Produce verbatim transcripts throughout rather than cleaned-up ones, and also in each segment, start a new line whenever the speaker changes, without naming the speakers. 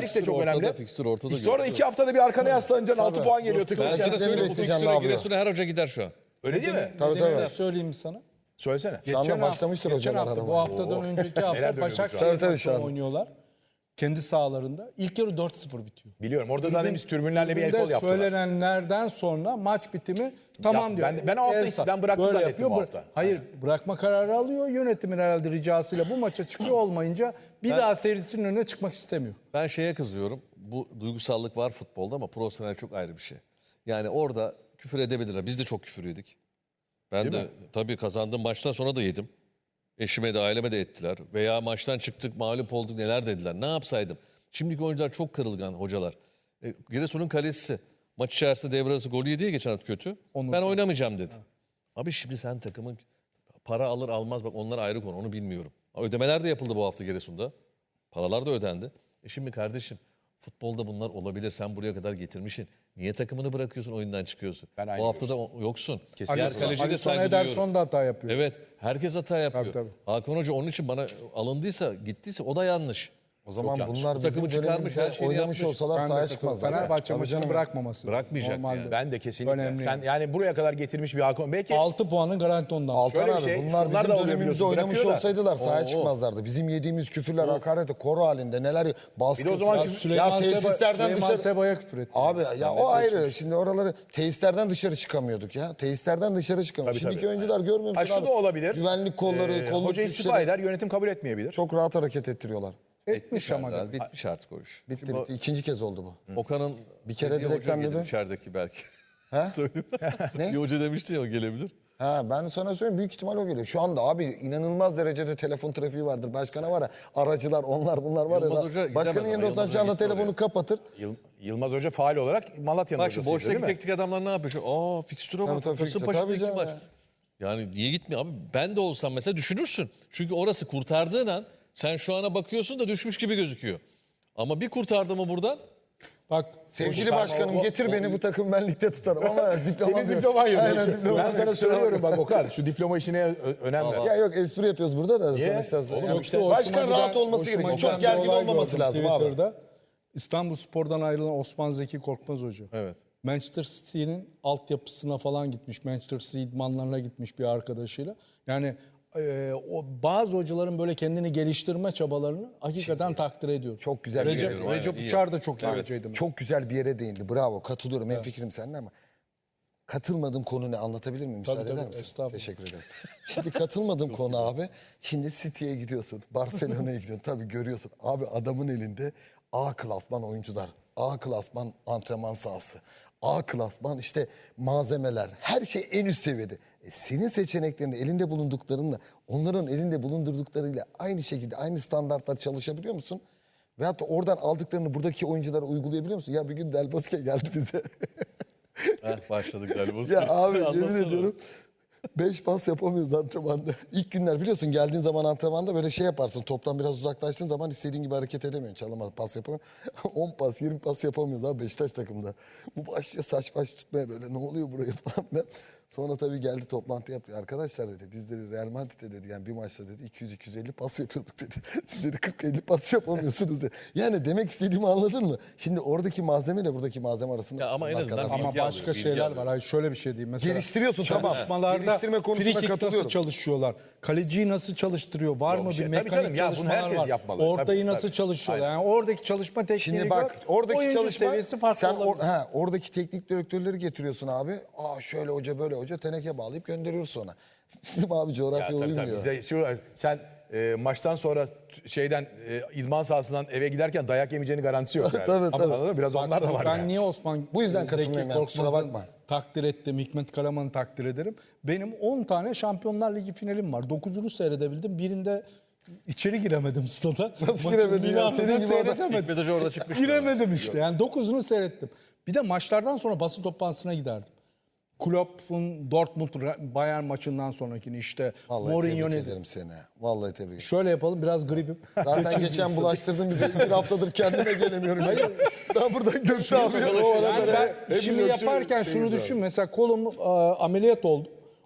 Lig de çok
ortada,
önemli.
fikstür ortada.
Sonra iki haftada bir arkana yaslanacaksın. altı puan geliyor.
Ben
Tıklayacaksın.
sana söyleyeyim bu
bekleyeceğim
fikstüre
abi.
Giresun'a her hoca gider şu an.
Öyle değil mi?
Tabii
Nedenini
tabii.
söyleyeyim mi sana?
Söylesene.
Şu anda
Geçen
başlamıştır
hafta, geçen
hocalar
hafta,
aramaya.
bu haftadan önceki
Neler
hafta
dönüyor bu şu an?
Tabii,
Başakşehir
tabii, şu
maçını
an.
oynuyorlar. Kendi sahalarında. İlk yarı dört sıfır bitiyor.
Biliyorum. Orada zaten biz tribünlerle bir el kol
Tribünde
yaptılar.
söylenenlerden sonra maç bitimi tamam
Ya,
diyor.
ben- ben o hafta
Elsa
ben bıraktı
böyle
zannettim
yapıyor.
bu
Bıra-
hafta.
Hayır, bırakma kararı alıyor. Yönetimin herhalde ricasıyla bu maça çıkıyor olmayınca bir daha seyircisinin önüne çıkmak istemiyor.
Ben şeye kızıyorum. Bu duygusallık var futbolda ama profesyonel çok ayrı bir şey. Yani orada küfür edebilirler. Biz de çok küfür yedik. Ben
Değil
de
mi?
tabii kazandığım maçtan sonra da yedim. Eşime de aileme de ettiler. Veya maçtan çıktık mağlup olduk neler dediler. Ne yapsaydım? Şimdiki oyuncular çok kırılgan hocalar. E, Giresun'un kalecisi maç içerisinde devre arası golü yedi ya geçen hafta kötü. Ben oynamayacağım dedi. Abi şimdi sen takımın para alır almaz bak onlar ayrı konu onu bilmiyorum. Ödemeler de yapıldı bu hafta Giresun'da. Paralar da ödendi. E şimdi kardeşim futbolda bunlar olabilir. Sen buraya kadar getirmişsin. Niye takımını bırakıyorsun oyundan çıkıyorsun?
Ben aynı
Bu hafta da o- yoksun.
Kesinlikle.
Diğer
Alisson-
kaleciye de
Alisson
saygı
Ederson
duyuyorum.
da hata yapıyor.
Evet herkes hata yapıyor.
Tabii, tabii.
Hakan Hoca onun için bana alındıysa gittiyse o da yanlış.
O zaman
yanlış.
bunlar
Bu
bizim
takımı çıkarmış,
dönemimizde
her şeyini
oynamış
yapmış.
olsalar
Ben de
sahaya
katılıyorum.
çıkmazlar.
Fenerbahçe
Tabii
maçını
canım.
bırakmaması.
Bırakmayacak
Normalde.
yani.
Ben de kesinlikle.
Önemli.
Sen yani buraya kadar getirmiş bir Hakan. Belki
altı puanın garanti ondan.
Altan
Şöyle bir
abi
şey,
bunlar
şunlar da
bizim
oluyor
dönemimizde
biliyorsun,
oynamış
bırakıyorlar.
olsaydılar sahaya
Oo.
çıkmazlardı. Bizim yediğimiz küfürler, hakaret, koro halinde neler baskı.
Bir de o zaman
ya,
küfür-
Süleyman
ya
Seba,
tesislerden
Süleyman
dışarı.
Seba'ya küfür etti.
Abi ya o ayrı. Şimdi oraları tesislerden dışarı çıkamıyorduk ya. Tesislerden dışarı çıkamıyorduk.
Tabii,
Şimdiki
tabii.
oyuncular görmüyor
Ha,
musun
şu
abi?
da olabilir.
Güvenlik kolları,
Ee,
kolluk
hoca istifa
güçleri
eder, yönetim kabul etmeyebilir.
çok rahat hareket ettiriyorlar.
Etmiş ama.
Yani bitmiş artık o iş.
Bitti
Şimdi
bitti. İkinci kez oldu bu.
Okan'ın
Bir kere
dediği hoca
direkten
gelir
dedi.
içerideki belki.
He?
Söyleyeyim.
Ne?
Bir hoca demişti ya o gelebilir.
Ha ben sana söyleyeyim büyük ihtimal o geliyor. Şu anda abi inanılmaz derecede telefon trafiği vardır. Başkana var ya aracılar onlar bunlar var
Yılmaz
ya.
Hoca gidemez
Başkanın
ama,
yerinde olsan
Yılmaz
şu anda
Hoca gitti
telefonu
oraya.
kapatır.
Yıl- Yılmaz Hoca faal olarak Malatya'nın
Bak şimdi
hocasıydı
boştaki
değil mi?
teknik adamlar ne yapıyor? Şu, Aa fikstüre
Tabii,
bak.
tabii, fikstür.
Kasımpaşa'da
Tabii
iki
canım
maç.
ya.
Yani niye gitmiyor abi? Ben de olsam mesela düşünürsün. Çünkü orası kurtardığın an sen şu ana bakıyorsun da düşmüş gibi gözüküyor. Ama bir kurtardı mı buradan?
Bak
Sevgili başkanım getir beni bu takım ben ligde tutarım ama diploma
Senin diploman yok.
Aynen,
Şu-
diploma
Ben
yok.
sana söylüyorum bak Okan şu diploma işine ö- önem ver.
Ya yok espri yapıyoruz burada da.
Niye?
Sonuçta,
Oğlum
yani
işte
Hoşuma
başkan
giden-
rahat olması
hoşuma
gerekiyor.
giden
Çok
bir
gergin
olay
olmaması
gördüm
lazım abi.
Twitter'da. İstanbulspor'dan ayrılan Osman Zeki Korkmaz Hoca.
Evet.
Manchester City'nin altyapısına falan gitmiş. Manchester City idmanlarına gitmiş bir arkadaşıyla. Yani e, o bazı hocaların böyle kendini geliştirme çabalarını hakikaten takdir ediyorum.
Çok güzel bir
Recep,
yere-
Recep
Aynen, iyi
Uçar da çok iyi
Evet.
hocaydı.
Çok güzel bir yere değindi. Bravo katılıyorum. En fikrim seninle ama katılmadığım konu ne anlatabilir miyim? Müsaade
Tabii,
eder
tabii,
misin?
estağfurullah.
Teşekkür ederim. Şimdi katılmadığım konu abi. Şimdi City'ye gidiyorsun. Barcelona'ya gidiyorsun. Tabii görüyorsun. Abi adamın elinde A klasman oyuncular. A klasman antrenman sahası. A klasman işte malzemeler. Her şey en üst seviyede. E senin seçeneklerini elinde bulunduklarınla onların elinde bulundurduklarıyla aynı şekilde aynı standartlar çalışabiliyor musun? Veyahut da oradan aldıklarını buradaki oyunculara uygulayabiliyor musun? Ya bir gün Del Bosque geldi bize.
Heh, başladık galiba.
Ya abi yemin
Anlatsana.
ediyorum. Beş pas yapamıyoruz antrenmanda. İlk günler biliyorsun geldiğin zaman antrenmanda böyle şey yaparsın. Toptan biraz uzaklaştığın zaman istediğin gibi hareket edemiyorsun. Çalamaz pas yapamıyorsun. on pas yirmi pas yapamıyoruz abi Beşiktaş takımda. Bu başlıyor saç baş tutmaya böyle ne oluyor buraya falan filan. Sonra tabii geldi toplantı yaptı. Arkadaşlar dedi biz dedi Real Madrid'de dedi yani bir maçta dedi iki yüz iki yüz elli pas yapıyorduk dedi. Siz dedi kırk elli pas yapamıyorsunuz dedi. Yani demek istediğimi anladın mı? Şimdi oradaki malzeme ile buradaki malzeme arasında
Ya ama en
bunlar
azından
kadar
bilgi
Ama
alıyor,
başka
bilgi
şeyler
alıyor.
var. Hayır, şöyle bir şey diyeyim. Mesela
Geliştiriyorsun, tamam.
çalışmalarda
Geliştirme konusunda
free kick
katılıyorum.
nasıl çalışıyorlar? Kaleciyi nasıl çalıştırıyor? Var
Yok
mı
bir şey.
bir
Tabii
mekanik
canım, ya bunu
çalışmalar
herkes
var?
yapmalı.
Ortayı
Tabii,
nasıl
tabii.
çalışıyorlar? Yani oradaki çalışma tekniğini
Şimdi bak
gör.
oradaki
oyuncu
çalışma
seviyesi farklı
sen or,
olabilir.
ha, oradaki teknik direktörleri getiriyorsun abi. Aa şöyle hoca böyle hoca teneke bağlayıp gönderiyoruz sonra. Bizim abi
Ya,
coğrafya
tabii, tabii.
uymuyor.
Bizde şu, sen e, maçtan sonra t- şeyden e, idman sahasından eve giderken dayak yemeyeceğini garantisi yok yani.
Tabii, tabii.
Anladın mı? Biraz
Bak,
onlar da var
ben
yani.
niye Osman
Bu yüzden
Zeki
katılmıyorum yani, kusura
Korkmaz'ı
bakma.
takdir ettim. Hikmet Karaman'ı takdir ederim. Benim on tane Şampiyonlar Ligi finalim var. dokuzunu seyredebildim. Birinde içeri giremedim stada.
Nasıl
Maçın
giremedin ya?
Milan'da
Senin gibi adam-
seyredemedim.
Hikmet Hoca orada çıkmış.
Giremedim işte. Yani dokuzunu seyrettim. Bir de maçlardan sonra basın toplantısına giderdim. Klopp'un Dortmund Bayern maçından sonrakini işte
Vallahi
Mourinho
tebrik
ne
ederim seni. Vallahi tebrik ederim.
şöyle yapalım biraz gripim.
Zaten geçen bulaştırdın bizi. Bir haftadır kendime gelemiyorum. Hayır. Ben buradan Gökte abi.
Yani ben
hepimiz
şimdi
öksürüyoruz,
yaparken
şeyiz
şunu
abi.
düşün. Mesela kolum e, ameliyat oldu.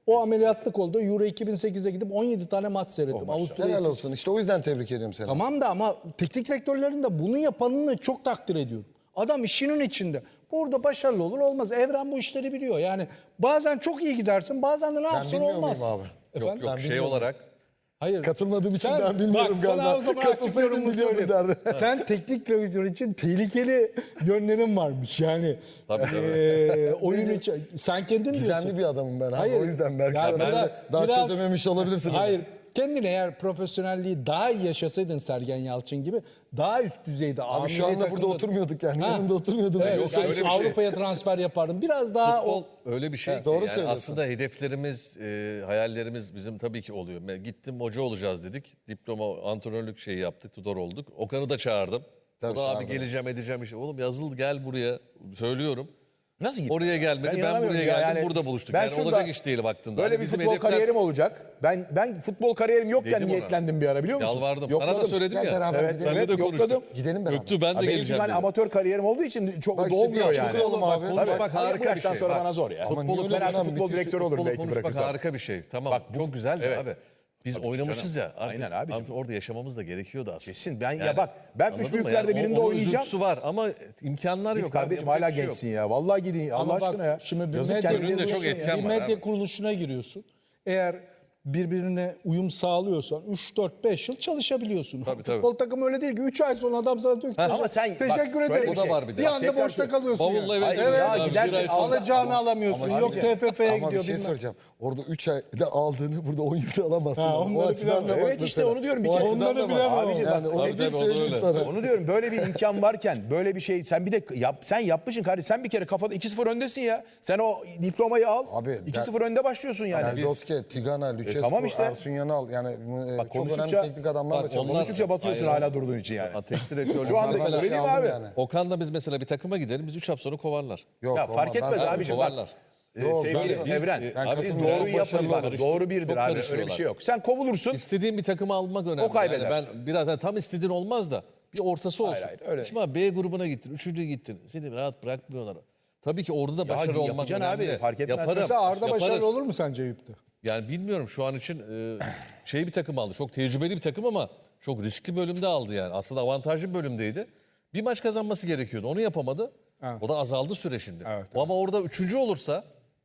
O ameliyatlık oldu. Euro iki bin sekiz'e gidip on yedi tane maç seyrettim. Avusturya'yı
Helal olsun. İşte o yüzden tebrik ediyorum seni.
Tamam da ama teknik direktörlerin de bunu yapanını çok takdir ediyorum. Adam işinin içinde. Burada başarılı olur olmaz. Evren bu işleri biliyor. Yani bazen çok iyi gidersin, bazen de ne
Ben
yapsın
bilmiyor
olmaz.
muyum abi?
Efendim?
Yok yok
Ben
şey
bilmiyorum.
olarak
Hayır.
Katılmadığım için
Sen-
ben bilmiyorum
bak, sana
galiba.
o zaman
Katılsaydım
açık yorumumu
biliyordum
söyleyeyim.
derdi.
Sen teknik direktör için tehlikeli yönlerin varmış. Yani
Tabii, tabii.
eee, oyun için sen kendin diyorsun.
Gizemli bir adamım ben abi.
Hayır.
O yüzden belki
Yani
sana
burada
öyle daha
biraz-
çözememiş olabilirsin.
Hayır. Kendin eğer profesyonelliği daha iyi yaşasaydın Sergen Yalçın gibi daha üst düzeyde.
Abi şu anda burada oturmuyorduk yani.
Ha.
Yanında oturmuyordum.
Evet,
Yok,
sen
öyle bir şey.
Avrupa'ya transfer yapardın. Biraz daha
futbol
o
öyle bir şey ki.
doğru
yani
söylüyorsun.
aslında hedeflerimiz, e, hayallerimiz bizim tabii ki oluyor. Ben gittim hoca olacağız dedik. Diploma, antrenörlük şeyi yaptık, tutor olduk. Okan'ı da çağırdım.
Tabii
o da abi
çağırdım.
geleceğim edeceğim işte. Oğlum yazıl gel buraya söylüyorum.
Nasıl gitti?
Oraya gelmedi, ben,
inanamıyorum
buraya
ya.
geldim,
Yani
burada buluştuk.
ben
Yani
şurada
olacak iş değil baktığında.
Böyle
Hani
bir
bizim
futbol
hedefler-
kariyerim olacak. Ben ben futbol kariyerim yokken
Dedim ona.
niyetlendim bir ara biliyor musun?
Yalvardım.
Yokladım.
Sana da söyledim
Gel
ya.
beraber
Evet,
gidelim.
evet
Seninle de konuştuk.
yokladım.
Gidelim beraber.
Göktuğ ben
Ha,
de
benim çünkü
geleceğim
hani
dedi.
amatör kariyerim olduğu için çok
Bak işte
dolmuyor
bir
yani.
açık olalım abi.
Konuşmak
Tabii.
harika
Bu
bir
yaştan
şey.
sonra
Bak,
bana zor ya.
Ama niye
Ben
öyle
artık
lan?
futbol
Müthiş
direktörü olurum
Futbolu
belki
konuşmak
bırakırsam.
harika bir şey. Tamam
Bak bu-
çok güzel de
evet.
abi. Biz oynamışız ya. Artık,
Aynen abicim.
artık orada yaşamamız da gerekiyordu aslında.
Kesin. Ben ya
Yani,
bak ben
anladın
üç
mı?
büyüklerde
Yani o-
birinde
onun
oynayacağım.
üzüntüsü var ama imkanlar
Git
yok.
kardeşim
abi,
hala
yapacak bir şey yok.
gençsin ya. Vallahi gidin. Allah
Ama bak,
aşkına ya.
Şimdi bir
Yazık
medya,
kendinize
önünde çok
yazık ya.
etken
bir
var
medya
abi.
kuruluşuna giriyorsun. Eğer birbirine uyum sağlıyorsan üç dört beş yıl çalışabiliyorsun.
Tabii, tabii.
Futbol takımı öyle değil ki üç ay sonra adam sana diyor ki
Ama sen bak,
teşekkür
şöyle
ederim.
bir şey.
O da var bir de.
Bir
Bak,
anda
tekrar
boşta
söylüyorum.
kalıyorsun.
Bavulla
yani.
eve
Hayır
gidiyorsun
ya,
abi,
gidersin,
bir ay sonra.
alacağını
Alacağını alamıyorsun.
Ama
Yok
abicim,
T F F'ye
Ama bir
gidiyor
şey
bilmem.
söyleyeceğim. Orada üç ayda aldığını burada on yılda alamazsın.
Ha,
ama.
onları
O açıdan
bilemem.
da bak
Evet işte
mesela.
onu diyorum. Bir
O
kere
açıdan
onları
da bak.
bilemem ama.
Abicim,
Yani
bak,
onu
Tabii,
bir
tabii, o da
söyleyeyim
öyle.
sana.
Onu diyorum böyle bir imkan varken böyle bir şey sen bir de yap, sen yapmışsın kardeşim sen bir kere kafada iki sıfır öndesin ya. Sen o diplomayı al.
Abi,
iki sıfır
ben-
önde başlıyorsun yani.
Yani Doske, Tigana, Lucescu,
tamam işte.
Ersun Yanal yani e,
Bak,
çok önemli
konuştukça-
teknik adamlarla
Bak,
çalışıyor.
onlar-
Konuştukça batıyorsun
Hayır,
hala durduğun için yani.
Ha, teknik direktörlük
Şu anda
mesela-
Ben
öyle değil mi
aldım
abi?
yani.
Okan'la biz mesela bir takıma gidelim. Biz üç hafta sonra kovarlar.
Yok,
Ya
olmaz.
fark etmez
Ben-
abiciğim bak.
Kovarlar.
Ee,
Yok,
sevgili
ben-
Evren,
biz-
ben
siz
katılmıyorum.
doğruyu
Çok
yapın
başarılı
bak.
oldu.
Doğru birdir
Çok
abi. Öyle bir
karışıyorlar.
şey yok. Sen kovulursun.
İstediğin bir takımı almak önemli.
O kaybeder.
Yani ben biraz yani tam istediğin olmaz da bir ortası olsun.
hayır, öyle.
Şimdi abi B grubuna gittin, üçüncü gittin. Seni rahat bırakmıyorlar. Tabii ki orada da başarılı olmak
yapacaksın
önemli.
abi, fark etmez.
Yaparım.
Mesela Arda
yaparız.
başarılı olur mu sence Eyüp'te?
Yani bilmiyorum şu an için e, şey bir takım aldı. Çok tecrübeli bir takım ama çok riskli bölümde aldı yani. Aslında avantajlı bir bölümdeydi. Bir maç kazanması gerekiyordu. Onu yapamadı.
Evet.
O da azaldı süre şimdi.
Evet,
O ama orada üçüncü olursa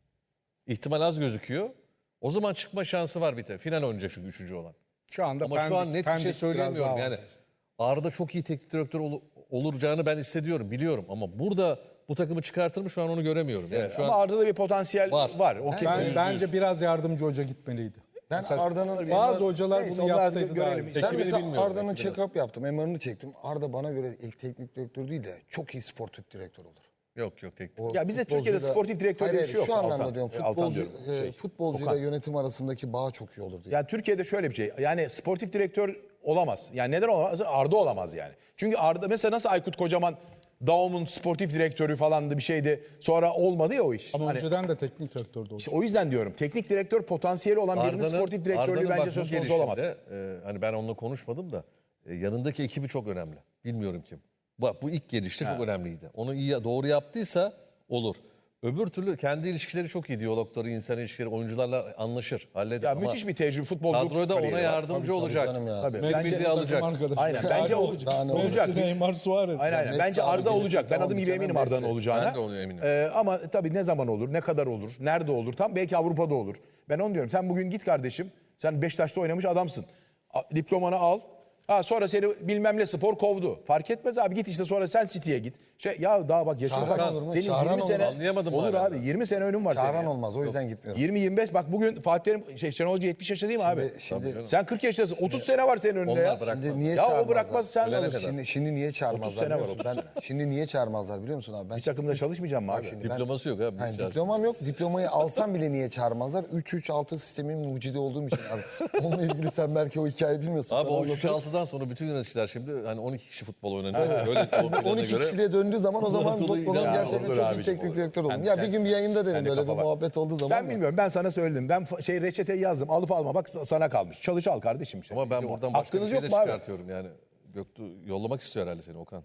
ihtimal az gözüküyor. O zaman çıkma şansı var bir de. Final oynayacak çünkü üçüncü olan.
Şu anda
Ama
Pendik-
şu an net bir
Pendik
şey
biraz
söyleyemiyorum.
daha
Yani
avantaj.
Arda çok iyi teknik direktör ol- olacağını ben hissediyorum, biliyorum. Ama burada bu takımı çıkartır mı şu an onu göremiyorum. Yani şu
Ama
an
Arda'da bir potansiyel var.
Var.
O kesin.
Ben, bence biraz yardımcı hoca gitmeliydi.
Ben
Mesela
Arda'nın
bazı hocalar
Neyse,
bunu
onlar
yapsaydı daha
görelim.
iyi.
İşte
Ben
Ekibini
mesela
bilmiyorum
Arda'nın
belki biraz.
check-up yaptım. M R'ını çektim. Arda bana göre ilk teknik direktör değil de çok iyi sportif direktör olur.
yok yok teknik.
O
Ya bizde
futbolcuyla-
Türkiye'de sportif direktör
Hayır,
diye bir şey
hayır,
yok.
Şu anlamda
Altan.
diyorum.
E, Altan
Futbolcu,
diyorum.
e,
Şey,
futbolcuyla
Okan.
yönetim arasındaki bağ çok iyi olur diye.
Yani Türkiye'de şöyle bir şey. Yani sportif direktör olamaz. Yani neden olamaz? Arda olamaz yani. Çünkü Arda mesela nasıl Aykut Kocaman Daum'un sportif direktörü falandı bir şeydi. Sonra olmadı ya o iş.
Ama
Hani
önceden de teknik direktördü o.
işte o yüzden diyorum. Teknik direktör potansiyeli olan birinin sportif direktörlüğü
Arda'nın
bence
bak bu
söz konusu olamaz.
gelişinde, e, hani ben onunla konuşmadım da e, yanındaki ekibi çok önemli. Bilmiyorum kim. Bak bu ilk gelişte çok önemliydi. Onu iyi doğru yaptıysa olur. Öbür türlü kendi ilişkileri çok iyi. Diyalogları, insan ilişkileri, oyuncularla anlaşır, halleder.
Ya
Ama
müthiş bir tecrübe futbolculuk
kadroda ona
kariyeri var.
yardımcı olacak.
canım ya.
Tabii.
Messi
Bence-
de alacak.
Aynen, bence ol-
Daha ne
olacak.
Messi, Neymar, Suarez.
Aynen aynen.
Messi
Bence
abi
Arda
gelirse
olacak. Ben
tamam,
adım
bir
gibi
tane
eminim Arda'nın
Messi.
olacağına.
Ben de onu eminim.
Ee, ama tabii ne zaman olur, ne kadar olur, nerede olur tam belki Avrupa'da olur. Ben onu diyorum. Sen bugün git kardeşim. Sen Beşiktaş'ta oynamış adamsın. A- Diplomanı al. Ha sonra seni bilmem ne spor kovdu. Fark etmez abi git işte sonra sen City'ye git. Şey ya daha bak yaşın
Çağıran
kaç?
olur mu?
Senin
Çağıran
yirmi
olur.
sene
Anlayamadım
olur
hala.
abi. yirmi sene önün var senin.
Çağıran
ya.
olmaz. O yüzden gitmiyorum.
yirmi yirmi beş bak bugün Fatih Terim şey Şenol Hoca yetmiş yaşında değil mi abi?
şimdi-
Sen kırk yaşındasın. otuz sene var senin önünde
Onlar
ya.
bırakmaz.
Şimdi niye
Ya o
çağırmazlar?
bırakmaz sen de
Ölene
alırsın.
kadar.
Şimdi, şimdi niye çağırmazlar
otuz sene
biliyor
var,
musun?
otuz
Ben, şimdi niye çağırmazlar biliyor musun abi? Ben
Bir takımda çalışmayacağım mı abi?
şimdi ben-
Diploması yok abi.
Yani
Hiç lazım.
diplomam yok. Diplomayı alsam bile niye çağırmazlar? üç üç altı sistemin mucidi olduğum için abi. Onunla ilgili sen belki o hikayeyi bilmiyorsun.
Abi
Sana
o üç
anlatırım.
altıdan sonra bütün yöneticiler şimdi hani on iki kişi futbol oynanıyor. Böyle o plana
on iki
göre.
kişiliğe döndüğü zaman o zaman
Anadolu
futbolun
ya,
gerçekten
olur
çok iyi
abicim,
teknik
olur.
direktör olun.
Sen-
Ya
sen-
bir gün bir yayında dedim
sende
böyle bir
kafa var.
muhabbet olduğu zaman.
Ben
da.
bilmiyorum. Ben sana söyledim. Ben fa- şey reçeteyi yazdım. Alıp alma. Bak sana kalmış. Çalış al kardeşim. Işte.
Ama ben buradan başka bir
Hakkınız
şey
yok
de
mu abi?
çıkartıyorum yani. Göktuğ yollamak istiyor herhalde seni Okan.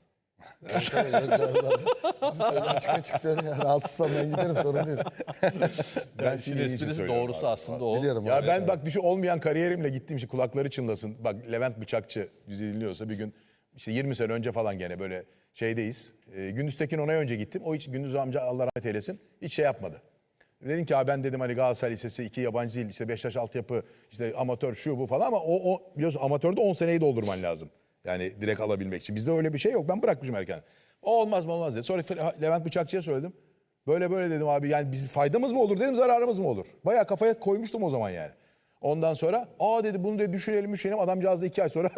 Evet, evet, evet. Abi söyle, açık açık söyle ya. Rahatsızsam ben giderim, sorun değil.
Ben
İşin
senin için
esprisi
söylüyorum
doğrusu
abi.
aslında o.
Biliyorum
Ya
abi.
ben bak düşün olmayan kariyerimle gittim işte kulakları çınlasın. Bak Levent Bıçakçı bizi dinliyorsa bir gün işte yirmi sene önce falan gene böyle şeydeyiz. E, Gündüz Tekin onay önce gittim. O hiç Gündüz amca Allah rahmet eylesin hiç şey yapmadı. Dedim ki abi ben dedim hani Galatasaray Lisesi iki yabancı dil işte Beşiktaş altyapı işte amatör şu bu falan ama o, o biliyorsun amatörde on seneyi doldurman lazım. Yani direkt alabilmek için. Bizde öyle bir şey yok. Ben bırakmışım erken. O olmaz mı olmaz dedi. Sonra Levent Bıçakçı'ya söyledim. Böyle böyle dedim abi yani bizim faydamız mı olur dedim zararımız mı olur? Bayağı kafaya koymuştum o zaman yani. Ondan sonra aa dedi bunu dedi düşünelim düşünelim. Adamcağız da iki ay sonra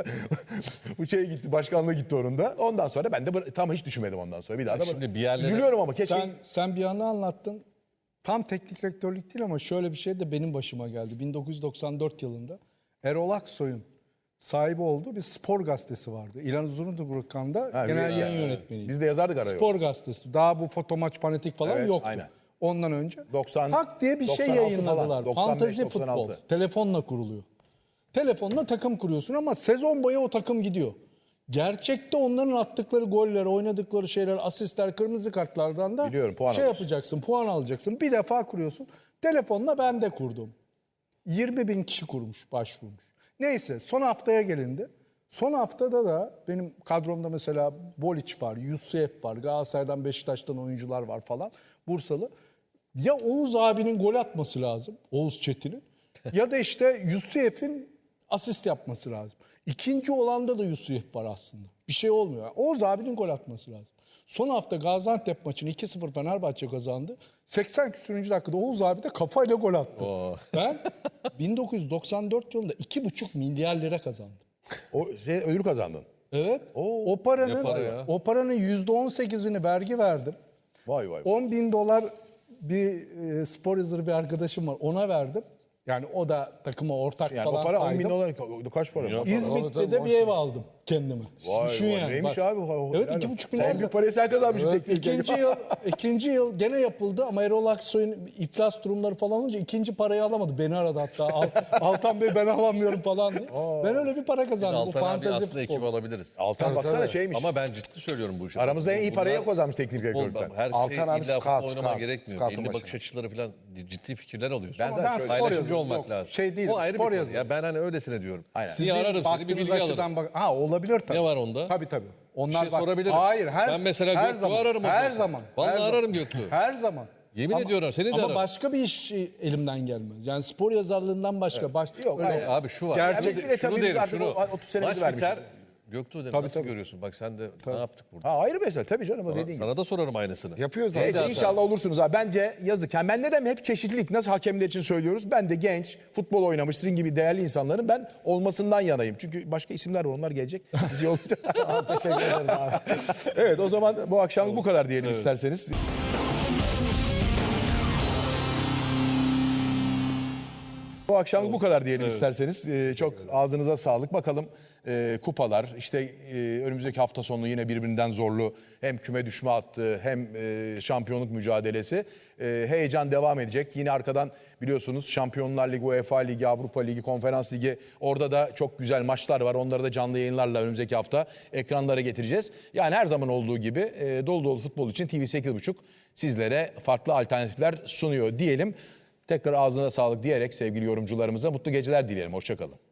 bu şeye gitti başkanlığa gitti onun da. Ondan sonra ben de bıra- tam hiç düşünmedim ondan sonra bir daha da.
şimdi
bıra-
bir yerlere-
Üzülüyorum ama keşke.
Sen, sen bir anı anlattın. Tam teknik direktörlük değil ama şöyle bir şey de benim başıma geldi. bin dokuz yüz doksan dört yılında Erol Aksoy'un sahibi olduğu bir spor gazetesi vardı. İlhan Uzundurkan'da
Ha,
genel
bir-
yayın yönetmeniydi.
Biz de yazardık araya.
Spor gazetesi. Daha bu fotomaç fanatik falan
Evet,
yoktu.
aynen.
Ondan önce.
doksan
Tak diye bir şey
doksan altı
yayınladılar.
falan, doksan beş,
Fantazi
doksan
futbol.
altı.
Telefonla kuruluyor. Telefonla takım kuruyorsun ama sezon boyu o takım gidiyor. Gerçekte onların attıkları goller, oynadıkları şeyler, asistler, kırmızı kartlardan da
Biliyorum, puan
şey
alıyorsun.
yapacaksın, puan alacaksın. Bir defa kuruyorsun. Telefonla ben de kurdum. yirmi bin kişi kurmuş, başvurmuş. Neyse son haftaya gelindi. Son haftada da benim kadromda mesela Boliç var, Yusuf var, Galatasaray'dan Beşiktaş'tan oyuncular var falan, Bursalı. Ya Oğuz abinin gol atması lazım, Oğuz Çetin'in. Ya da işte Yusuf'in asist yapması lazım. İkinci olanda da Yusuf var aslında. Bir şey olmuyor. Yani Oğuz abinin gol atması lazım. Son hafta Gaziantep maçını iki sıfır Fenerbahçe kazandı. seksen küsürüncü dakikada Oğuz abi de kafayla gol attı. Ben bin dokuz yüz doksan dört yılında iki buçuk milyar lira kazandım.
O şey ödül kazandın.
Evet. O paranın
Ne para ya?
o paranın yüzde on sekizini vergi verdim.
Vay vay.
on bin dolar bir e, spor yazarı bir arkadaşım var. Ona verdim. Yani o da takıma ortak
Yani
falan
o para on
saydım.
bin dolar kaç para? Maşallah.
İzmit'te
Tabii,
de
tabii,
bir ev aldım kendime.
Vay
Düşün
vay,
yani.
neymiş
Bak.
abi? o-
Evet
helal
iki
olsun.
buçuk milyar.
En büyük parayı sen kazanmışsın
Evet,
teknik
İkinci yıl, ikinci yıl gene yapıldı ama Erol Aksoy'un iflas durumları falan olunca ikinci parayı alamadı. Beni aradı hatta. Al- Altan Bey ben alamıyorum falan diye. Ben öyle bir para kazandım. Bu
Altan abi
fantezi
aslında ekip
futbol.
alabiliriz.
Altan baksana
tabii.
şeymiş.
Ama ben ciddi söylüyorum bu işi.
Aramızda en iyi parayı
Bunlar-
kazanmış teknik
Futbol,
direktörlükten.
her
Altan
şey
abi
illa
scout,
futbol oynamaya
scout,
gerekmiyor.
scout'un
Belli bakış
başında.
açıları falan ciddi fikirler alıyorsun.
Ben
Ama
zaten
ben
şöyle-
spor
paylaşımcı
yazarı-
olmak
yok,
lazım.
şey değil,
O ayrı
spor
bir konu.
yazarı.
Ya ben hani öylesine diyorum.
Aynen.
Niye ararım seni bir
baktığınız
bilgi alırım.
açıdan bak. Ha olabilir tabii.
Ne var onda?
Tabii tabii. Onlar
şey
bak-
sorabilirim.
Hayır her
Ben mesela
her
Göktuğ'u
zaman,
ararım o
Her
zaman.
zaman.
Vallahi
her
ararım
zaman.
Göktuğ'u.
Her zaman.
Yemin ediyorum, seni de
ama
ararım.
başka bir iş elimden gelmez. Yani spor yazarlığından başka. Baş,
Yok,
öyle-
hayır.
Abi şu var.
Gerçek-
Ya
Biz bile
şunu
tabii biz
derim
artık
şunu.
o otuz senemizi
Maç
vermişiz.
biter. Göktuğ derim nasıl görüyorsun? Bak sen de ne yaptık burada?
Ha ayrı mesele tabii canım o dediğin gibi.
Sana da sorarım aynısını.
Yapıyor zaten.
Neyse inşallah olursunuz abi. Bence yazık. Yani ben ne demek hep çeşitlilik. Nasıl hakemler için söylüyoruz. Ben de genç, futbol oynamış sizin gibi değerli insanların ben olmasından yanayım. Çünkü başka isimler var onlar gelecek. Siz yollayın.
Teşekkür ederim abi.
Evet o zaman bu akşamlık bu kadar diyelim isterseniz. Bu akşamlık bu kadar diyelim isterseniz. Ee, çok ağzınıza sağlık. Bakalım e, kupalar işte e, önümüzdeki hafta sonu yine birbirinden zorlu hem küme düşme hattı hem e, şampiyonluk mücadelesi. E, heyecan devam edecek. Yine arkadan biliyorsunuz Şampiyonlar Ligi, UEFA Ligi, Avrupa Ligi, Konferans Ligi orada da çok güzel maçlar var. Onları da canlı yayınlarla önümüzdeki hafta ekranlara getireceğiz. Yani her zaman olduğu gibi e, dolu dolu futbol için T V sekiz buçuk sizlere farklı alternatifler sunuyor diyelim. Tekrar ağzına sağlık diyerek sevgili yorumcularımıza mutlu geceler dileyelim. Hoşça kalın.